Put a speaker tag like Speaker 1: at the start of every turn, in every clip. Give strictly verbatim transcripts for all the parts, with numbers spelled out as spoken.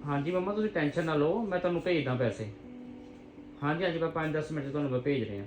Speaker 1: ਹਾਂਜੀ ਮੰਮਾ ਤੁਸੀਂ ਟੈਨਸ਼ਨ ਨਾ ਲਓ, ਮੈਂ ਤੁਹਾਨੂੰ ਭੇਜਦਾ ਪੈਸੇ। ਹਾਂਜੀ ਹਾਂਜੀ, ਮੈਂ ਪੰਜ ਦਸ ਮਿੰਟ 'ਚ ਤੁਹਾਨੂੰ ਮੈਂ ਭੇਜ ਰਿਹਾ।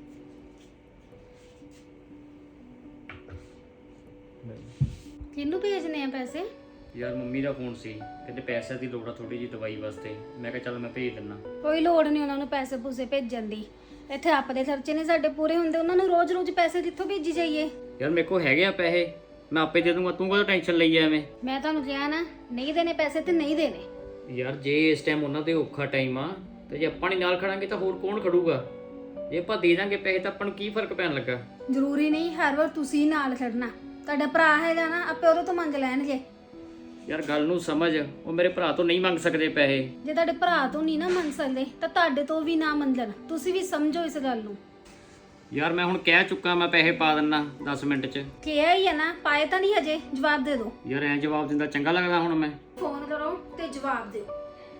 Speaker 2: ਕਿਹਨੂੰ ਭੇਜਨੇ ਆ ਪੈਸੇ?
Speaker 1: ਯਾਰ ਮੰਮੀ ਦਾ ਫੋਨ ਸੀ, ਕਹਿੰਦੇ ਪੈਸਿਆਂ ਦੀ ਲੋੜ ਆ ਥੋੜੀ ਜਿਹੀ ਦਵਾਈ ਵਾਸਤੇ। ਮੈਂ ਕਿਹਾ ਚੱਲ ਮੈਂ ਭੇਜ ਦਿੰਦਾ।
Speaker 2: ਕੋਈ ਲੋੜ ਨਹੀਂ ਉਹਨਾਂ ਨੂੰ ਪੈਸੇ ਪੂਸੇ ਭੇਜਣ ਦੀ। ਇੱਥੇ ਆਪਦੇ ਖਰਚੇ ਨਹੀਂ ਸਾਡੇ ਪੂਰੇ ਹੁੰਦੇ, ਉਹਨਾਂ ਨੂੰ ਰੋਜ਼ ਰੋਜ਼ ਪੈਸੇ ਕਿੱਥੋਂ ਭੇਜੀ ਜਾਈਏ?
Speaker 1: ਯਾਰ ਮੇਰੇ ਕੋਲ ਹੈਗੇ ਆ ਪੈਸੇ, ਮੈਂ ਆਪੇ ਦੇ ਦੂੰਗਾ, ਤੂੰ ਕਦੋਂ ਟੈਨਸ਼ਨ ਲਈ ਆ ਐਵੇਂ?
Speaker 2: ਮੈਂ ਤੁਹਾਨੂੰ ਕਿਹਾ ਨਾ, ਨਹੀਂ ਦੇਣੇ ਪੈਸੇ ਤੇ ਨਹੀਂ ਦੇਣੇ।
Speaker 1: ਯਾਰ ਜੇ ਇਸ ਟਾਈਮ ਉਹਨਾਂ ਦੇ ਔਖਾ ਟਾਈਮ ਆ ਤੇ ਜੇ ਆਪਾਂ ਨਹੀਂ ਨਾਲ ਖੜਾਂਗੇ ਤਾਂ ਹੋਰ ਕੌਣ ਖੜੂਗਾ? ਜੇ ਆਪਾਂ ਦੇ ਦਾਂਗੇ ਪੈਸੇ ਤਾਂ ਆਪਾਂ ਨੂੰ ਕੀ ਫਰਕ ਪੈਣ ਲੱਗਾ?
Speaker 2: ਜ਼ਰੂਰੀ ਨਹੀਂ ਹਰ ਵਾਰ ਤੁਸੀਂ ਨਾਲ ਖੜਨਾ। ਤੁਹਾਡਾ ਭਰਾ ਹੈਗਾ ਨਾ, ਆਪੇ ਉਹਦੇ ਤੋਂ ਮੰਗ ਲੈਣਗੇ।
Speaker 1: ਯਾਰ ਗੱਲ ਨੂੰ ਸਮਝ, ਉਹ ਮੇਰੇ ਭਰਾ ਤੋਂ ਨਹੀਂ ਮੰਗ ਸਕਦੇ ਪੈਸੇ।
Speaker 2: ਜੇ ਤੁਹਾਡੇ ਭਰਾ ਤੋਂ ਨਹੀਂ ਨਾ ਮੰਗ ਸਕਦੇ ਤਾਂ ਤੁਹਾਡੇ ਤੋਂ ਵੀ ਨਾ ਮੰਗਣ। ਤੁਸੀਂ ਵੀ ਸਮਝੋ ਇਸ ਗੱਲ ਨੂੰ।
Speaker 1: ਯਾਰ ਮੈਂ ਹੁਣ ਕਹਿ ਚੁੱਕਾ, ਮੈਂ ਪੈਸੇ ਪਾ ਦਿੰਦਾ ਦਸ ਮਿੰਟ 'ਚ।
Speaker 2: ਕਿਹਾ ਹੀ ਹੈ ਨਾ, ਪਾਏ ਤਾਂ ਨਹੀਂ ਹਜੇ, ਜਵਾਬ ਦੇ ਦਿਓ।
Speaker 1: ਯਾਰ ਐਂ ਜਵਾਬ ਦਿੰਦਾ ਚੰਗਾ ਲੱਗਦਾ ਹੁਣ ਮੈਂ?
Speaker 2: ਫੋਨ ਕਰੋ ਤੇ ਜਵਾਬ ਦਿਓ।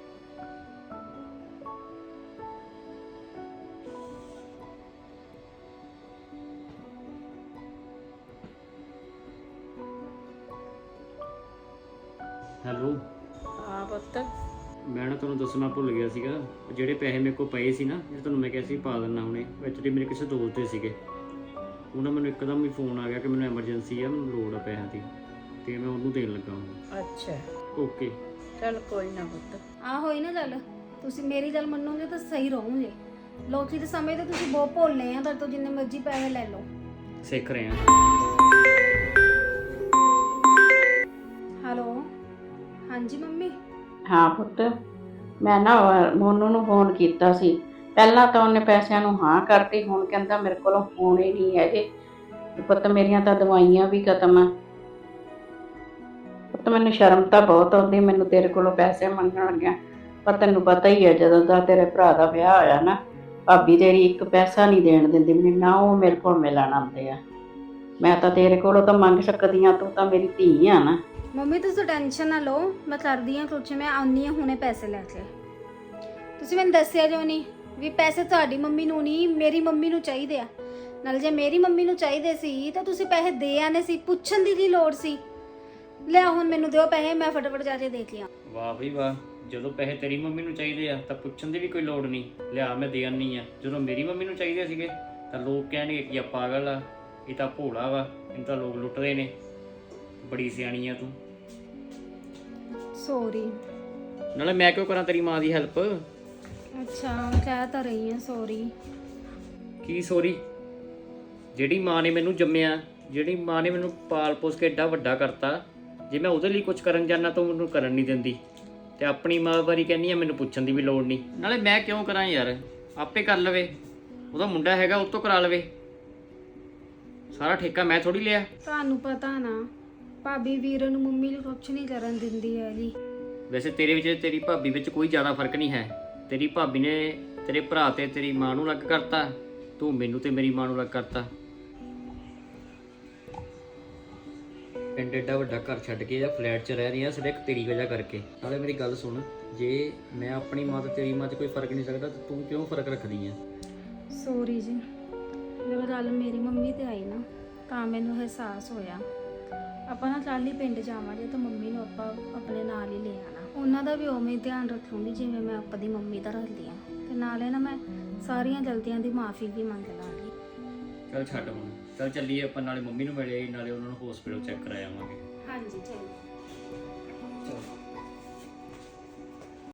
Speaker 1: ਹੈਲੋ।
Speaker 3: ਹਾਂ ਪੁੱਤ।
Speaker 1: ਮੈਂ ਨਾ ਤੁਹਾਨੂੰ ਦੱਸਣਾ ਭੁੱਲ ਗਿਆ ਸੀਗਾ, ਜਿਹੜੇ ਪੈਸੇ ਮੇਰੇ ਕੋਲ ਪਏ ਸੀ ਨਾ, ਜਿਹੜੇ ਤੁਹਾਨੂੰ ਮੈਂ ਕਿਹਾ ਸੀ ਪਾ ਦਿੰਦਾ ਹੁਣੇ, ਐਕਚੁਅਲੀ ਮੇਰੇ ਕਿਸੇ ਦੋਸਤ ਦੇ ਸੀਗੇ। ਉਹਨਾਂ ਮੈਨੂੰ ਇੱਕਦਮ ਹੀ ਫੋਨ ਆ ਗਿਆ ਕਿ ਮੈਨੂੰ ਐਮਰਜੈਂਸੀ ਆ, ਮੈਨੂੰ ਲੋੜ ਆ ਪੈਸਿਆਂ ਦੀ, ਤੇ ਮੈਂ ਉਹਨੂੰ ਦੇਣ ਲੱਗਾ ਹੁਣ।
Speaker 3: ਅੱਛਾ
Speaker 1: ਓਕੇ
Speaker 3: ਚੱਲ ਕੋਈ ਨਾ ਪੁੱਤ।
Speaker 2: ਆਹ ਹੋਈ ਨਾ ਗੱਲ, ਤੁਸੀਂ ਮੇਰੀ ਗੱਲ ਮੰਨੋਗੇ ਤਾਂ ਸਹੀ ਰਹੋਗੇ। ਲੋਕੀ ਦੇ ਸਮੇਂ ਤੇ ਤੁਸੀਂ ਬਹੁਤ ਭੋਲੇ ਆ, ਤੁਹਾਡੇ ਤੋਂ ਜਿੰਨੇ ਮਰਜ਼ੀ ਪੈਸੇ ਲੈ ਲਓ।
Speaker 1: ਸਿੱਖ ਰਹੇ ਆ।
Speaker 2: ਹੈਲੋ, ਹਾਂਜੀ ਮੰਮੀ।
Speaker 3: ਹਾਂ ਪੁੱਤ, ਮੈਂ ਨਾ ਮੋਨੂ ਨੂੰ ਫੋਨ ਕੀਤਾ ਸੀ। ਪਹਿਲਾਂ ਤਾਂ ਉਹਨੇ ਪੈਸਿਆਂ ਨੂੰ ਹਾਂ ਕਰਤੀ, ਹੁਣ ਕਹਿੰਦਾ ਮੇਰੇ ਕੋਲੋਂ ਫੋਨ ਹੀ ਨਹੀਂ ਹੈਗੇ। ਪੁੱਤ ਮੇਰੀਆਂ ਤਾਂ ਦਵਾਈਆਂ ਵੀ ਖਤਮ ਆ। ਪੁੱਤ ਮੈਨੂੰ ਸ਼ਰਮ ਤਾਂ ਬਹੁਤ ਆਉਂਦੀ ਮੈਨੂੰ ਤੇਰੇ ਕੋਲੋਂ ਪੈਸੇ ਮੰਗਣ ਲੱਗਿਆ, ਪਰ ਤੈਨੂੰ ਪਤਾ ਹੀ ਹੈ ਜਦੋਂ ਦਾ ਤੇਰੇ ਭਰਾ ਦਾ ਵਿਆਹ ਹੋਇਆ ਨਾ, ਭਾਬੀ ਤੇਰੀ ਇੱਕ ਪੈਸਾ ਨਹੀਂ ਦੇਣ ਦਿੰਦੀ ਮੈਨੂੰ, ਨਾ ਉਹ ਮੇਰੇ ਕੋਲ ਮਿਲਣ ਆਉਂਦੇ ਆ। ਮੈਂ ਤਾਂ ਤੇਰੇ ਕੋਲੋਂ ਤਾਂ ਮੰਗ ਸਕਦੀ ਹਾਂ, ਤੂੰ ਤਾਂ ਮੇਰੀ ਧੀ ਆ ਨਾ।
Speaker 2: ਮੰਮੀ ਤੁਸੀਂ ਟੈਨਸ਼ਨ ਨਾ ਲਓ, ਮੈਂ ਕਰਦੀ ਹਾਂ ਕੁਛ, ਮੈਂ ਆਉਂਦੀ ਹਾਂ ਹੁਣੇ ਪੈਸੇ ਲੈ ਕੇ। ਤੁਸੀਂ ਮੈਨੂੰ ਦੱਸਿਆ ਜੋ ਨਹੀਂ ਵੀ ਪੈਸੇ ਤੁਹਾਡੀ ਮੰਮੀ ਨੂੰ ਨਹੀਂ ਮੇਰੀ ਮੰਮੀ ਨੂੰ ਚਾਹੀਦੇ ਆ। ਨਾਲ ਜੇ ਮੇਰੀ ਮੰਮੀ ਨੂੰ ਚਾਹੀਦੇ ਸੀ ਤਾਂ ਤੁਸੀਂ ਪੈਸੇ ਦੇ ਆਨੇ ਸੀ, ਪੁੱਛਣ ਦੀ ਕੀ ਲੋੜ ਸੀ? ਲਿਆ ਹੁਣ ਮੈਨੂੰ ਦਿਓ ਪੈਸੇ, ਮੈਂ ਫਟਾਫਟ ਜਾ ਕੇ ਦੇਖ ਲਿਆ।
Speaker 1: ਵਾਹ ਬਈ ਵਾਹ, ਜਦੋਂ ਪੈਸੇ ਤੇਰੀ ਮੰਮੀ ਨੂੰ ਚਾਹੀਦੇ ਆ ਤਾਂ ਪੁੱਛਣ ਦੀ ਵੀ ਕੋਈ ਲੋੜ ਨਹੀਂ, ਲਿਆ ਮੈਂ ਦੇ ਆਨੀ ਆ। ਜਦੋਂ ਮੇਰੀ ਮੰਮੀ ਨੂੰ ਚਾਹੀਦੇ ਸੀਗੇ ਤਾਂ ਲੋਕ ਕਹਿਣਗੇ ਕਿ ਆ ਪਾਗਲ ਆ, ਇਹ ਤਾਂ ਭੋਲਾ ਵਾ, ਇਹਨੂੰ ਤਾਂ ਲੋਕ ਲੁੱਟਦੇ ਨੇ। ਬੜੀ ਸਿਆਣੀ ਆ ਤੂੰ।
Speaker 2: ਸੌਰੀ।
Speaker 1: ਨਾਲੇ ਮੈਂ ਕਿਉਂ ਕਰਾਂ ਤੇਰੀ ਮਾਂ ਦੀ ਹੈਲਪ?
Speaker 2: ਅੱਛਾ ਕਹਿ ਤਾਂ ਰਹੀ ਹਾਂ ਸੌਰੀ।
Speaker 1: ਕੀ ਸੌਰੀ? ਜਿਹੜੀ ਮਾਂ ਨੇ ਮੈਨੂੰ ਜੰਮਿਆ, ਜਿਹੜੀ ਮਾਂ ਨੇ ਮੈਨੂੰ ਪਾਲ ਪੋਸ ਕੇ ਏਡਾ ਵੱਡਾ ਕਰਤਾ, ਜੇ ਮੈਂ ਉਹਦੇ ਲਈ ਕੁਝ ਕਰਨ ਜਾਂਦਾ ਤਾਂ ਮੈਨੂੰ ਕਰਨ ਨਹੀਂ ਦਿੰਦੀ, ਤੇ ਆਪਣੀ ਮਾਂ ਬਾਰੇ ਕਹਿੰਦੀ ਆ ਮੈਨੂੰ ਪੁੱਛਣ ਦੀ ਵੀ ਲੋੜ ਨਹੀਂ। ਨਾਲੇ ਮੈਂ ਕਿਉਂ ਕਰਾਂ ਯਾਰ, ਆਪੇ ਕਰ ਲਵੇ, ਉਹਦਾ ਮੁੰਡਾ ਹੈਗਾ ਉਹ ਤੋਂ ਕਰਾ ਲਵੇ, ਸਾਰਾ ਠੇਕਾ ਮੈਂ ਥੋੜੀ ਲਿਆ।
Speaker 2: ਤੁਹਾਨੂੰ ਪਤਾ ਨਾ ਭਾਬੀ ਵੀਰ ਨੂੰ ਮੰਮੀ ਨੂੰ ਕੁਛ ਨਹੀਂ ਕਰਨ ਦਿੰਦੀ ਹੈ ਜੀ।
Speaker 1: ਵੈਸੇ ਤੇਰੇ ਵਿੱਚ ਤੇਰੀ ਭਾਬੀ ਵਿੱਚ ਕੋਈ ਜ਼ਿਆਦਾ ਫਰਕ ਨਹੀਂ ਹੈ। ਤੇਰੀ ਭਾਬੀ ਨੇ ਤੇਰੇ ਭਰਾ ਤੇ ਤੇਰੀ ਮਾਂ ਨੂੰ ਅਲੱਗ ਕਰਤਾ, ਤੂੰ ਮੈਨੂੰ ਤੇ ਮੇਰੀ ਮਾਂ ਨੂੰ ਅਲੱਗ ਕਰਤਾ। ਪਿੰਡ ਏਡਾ ਵੱਡਾ ਘਰ ਛੱਡ ਕੇ ਜਾਂ ਫਲੈਟ 'ਚ ਰਹਿ ਰਹੀ ਆ ਸਿਰਫ ਤੇਰੀ ਵਜ੍ਹਾ ਕਰਕੇ। ਨਾਲੇ ਮੇਰੀ ਗੱਲ ਸੁਣ, ਜੇ ਮੈਂ ਆਪਣੀ ਮਾਂ ਤੇ ਤੇਰੀ ਮਾਂ 'ਚ ਕੋਈ ਫਰਕ ਨਹੀਂ ਸਕਦਾ ਤਾਂ ਤੂੰ ਕਿਉਂ ਫਰਕ ਰੱਖਦੀ ਆ?
Speaker 2: ਸੌਰੀ ਜੀ, ਜਦੋਂ ਗੱਲ ਮੇਰੀ ਮੰਮੀ ਤੇ ਆਈ ਨਾ ਤਾਂ ਮੈਨੂੰ ਅਹਿਸਾਸ ਹੋਇਆ ਆਪਾਂ ਨਾ ਕੱਲ੍ਹ ਹੀ ਪਿੰਡ ਜਾਵਾਂਗੇ ਤਾਂ ਮੰਮੀ ਨੂੰ ਆਪਾਂ ਆਪਣੇ ਨਾਲ ਹੀ ਲੈ ਆਉਣਾ। ਉਹਨਾਂ ਦਾ ਵੀ ਉਵੇਂ ਹੀ ਧਿਆਨ ਰੱਖੂੰਗੀ ਜਿਵੇਂ ਮੈਂ ਆਪਣੀ ਮੰਮੀ ਦਾ ਰੱਖਦੀ ਹਾਂ, ਤੇ ਨਾਲੇ ਨਾ ਮੈਂ ਸਾਰੀਆਂ ਗਲਤੀਆਂ ਦੀ ਮਾਫੀ ਵੀ ਮੰਗ ਲਾਂਗੀ।
Speaker 1: ਚੱਲ ਛੱਡ ਹੁਣ, ਚੱਲ ਚੱਲੀਏ ਆਪਾਂ, ਨਾਲੇ ਮੰਮੀ ਨੂੰ ਮਿਲੇ ਨਾਲੇ ਉਹਨਾਂ ਨੂੰ ਹਸਪੀਟਲ ਚੈੱਕ ਕਰਾ ਆਵਾਂਗੇ।
Speaker 2: ਹਾਂਜੀ ਚਲੋ।